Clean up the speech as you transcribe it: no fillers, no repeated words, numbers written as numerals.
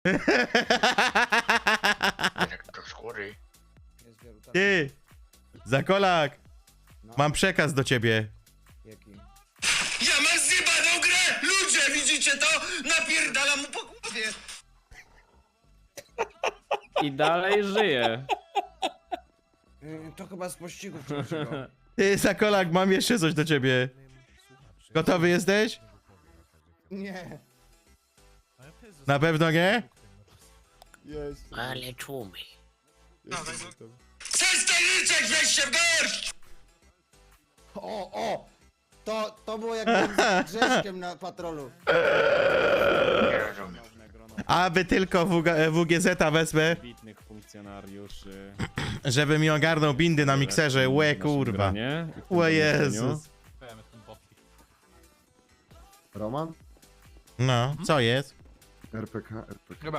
Do skóry. Ty! Zakolak! No, Mam przekaz do ciebie. jaki? Ja mam zjebaną grę! Ludzie, widzicie to? Napierdalam mu po głowie! I dalej żyje. To chyba z pościgu wczorajszego. Ty, Zakolak, mam jeszcze coś do ciebie. Gotowy jesteś? Nie. Na pewno nie? Jest. Ale tłumy. Jestem gotowy. Przestań ryczeć, weź się w garść! O! To było jak byłem z Grześkiem na patrolu. Nie rozumiem. Aby tylko WGZ-a wezmę, Bitnych funkcjonariuszy. żeby mi ogarnął bindy na mikserze. Łe, w naszym kurwa. gronie i w tym Łe, pomieszczeniu. Jezus. Roman? No, co jest? RPK. Chyba.